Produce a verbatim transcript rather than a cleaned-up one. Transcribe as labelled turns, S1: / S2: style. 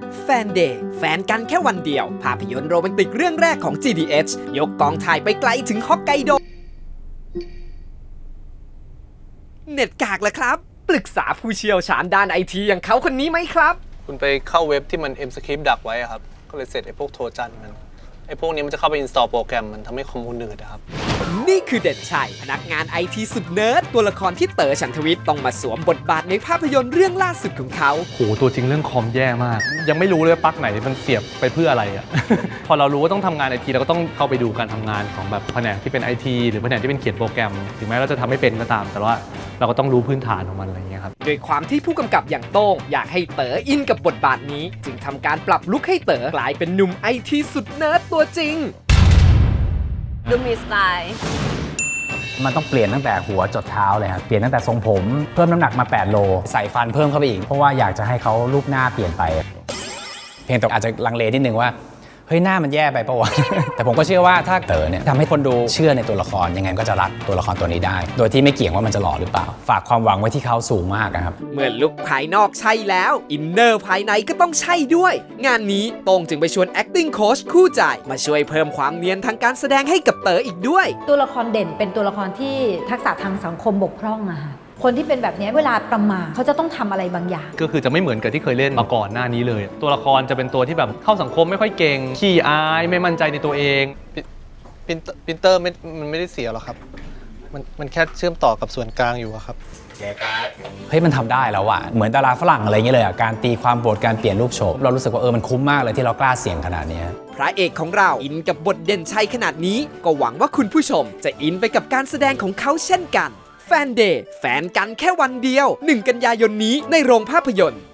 S1: แฟนเดย์แฟนกันแค่วันเดียวภาพยนตร์โรแมนติกเรื่องแรกของ จี ดี เอช ยกกองถ่ายไปไกลถึงฮอกไกโดเน็ตกากละครับปรึกษาผู้เชี่ยวชาญด้านไอทีอย่างเขาคนนี้ไหมครับ
S2: คุณไปเข้าเว็บที่มัน M-Script ดักไว้ครับก็เลยเสร็จไอ้พวกโทรจันมันไอ้พวกนี้มันจะเข้าไปอินสตอลโปรแกรมมันทำให้คอมมูนหนืดนะครับ
S1: นี่คือเด่นชัยพนักงานไอทีสุดเนิร์ดตัวละครที่เต๋อฉันทวิทย์ต้องมาสวมบทบาทในภาพยนตร์เรื่องล่าสุดของเขา
S3: โหตัวจริงเรื่องคอมแย่มาก ยังไม่รู้เลยปลั๊กไหนมันเสียบไปเพื่ออะไรอ่ะ พอเรารู้ว่าต้องทำงานไอทีเราก็ต้องเข้าไปดูการทำงานของแบบแผนกที่เป็นไอทีหรือแผนกที่เป็นเขียนโปรแกรมถึงแม้เราจะทำไม่เป็นก็ตามแต่ว่าเราก็ต้องรู้พื้นฐานของมันอะไรอย่างเงี้ยครับ
S1: โดยความที่ผู้กำกับอย่างโต้งอยากให้เต๋ออินกับบทบาทนี้จึงทำการปรับลุคให้เต๋อกลายเป็นหนุ่มไอทีสุดเนิร์ดตัวจริง
S4: ดูมีสไตล์
S5: มันต้องเปลี่ยนตั้งแต่หัวจดเท้าเลยครับเปลี่ยนตั้งแต่ทรงผมเพิ่มน้ำหนักมาแปดโลใส่ฟันเพิ่มเข้าไปอีกเพราะว่าอยากจะให้เขารูปหน้าเปลี่ยนไปเพียงแต่อาจจะลังเลนิดนึงว่าเฮ้ยหน้ามันแย่ไปปะวะ แต่ผมก็เชื่อว่าถ้าเต๋อเนี่ยทำให้คนดูเชื่อในตัวละครยังไงก็จะรักตัวละครตัวนี้ได้โดยที่ไม่เกี่ยงว่ามันจะหล่อหรือเปล่าฝากความหวังไว้ที่เขาสูงมากครับ
S1: เมื่อลุคภายนอกใช่แล้วอินเนอร์ภายในก็ต้องใช่ด้วยงานนี้โต้งจึงไปชวน acting coach คู่ใจมาช่วยเพิ่มความเนียนทางการแสดงให้กับเต๋ออีกด้วย
S6: ตัวละครเด่นเป็นตัวละครที่ทักษะทางสังคมบกพร่องอะค่ะคนที่เป็นแบบนี้เวลาประมาทเขาจะต้องทำอะไรบางอย่าง
S3: ก็คือจะไม่เหมือนกับที่เคยเล่นมาก่อนหน้านี้เลยตัวละครจะเป็นตัวที่แบบเข้าสังคมไม่ค่อยเก่งขี้อายไม่มั่นใจในตัวเอง
S2: พินพินเตอร์ไม่มันไม่ได้เสียหรอกครับมันมันแค่เชื่อมต่อกับส่วนกลางอยู่ครับ
S5: เฮ้ยมันทำได้แล้วอะเหมือนดาราฝรั่งอะไรอย่างเงี้ยเลยอะการตีความบทการเปลี่ยนรูปโฉมเรารู้สึกว่าเออมันคุ้มมากเลยที่เรากล้าเสี่ยงขนาดนี้
S1: พระเอกของเราอินกับบทเด่นชัยขนาดนี้ก็หวังว่าคุณผู้ชมจะอินไปกับการแสดงของเขาเช่นกันแฟนเดย์แฟนกันแค่วันเดียวหนึ่งกันยายนนี้ในโรงภาพยนตร์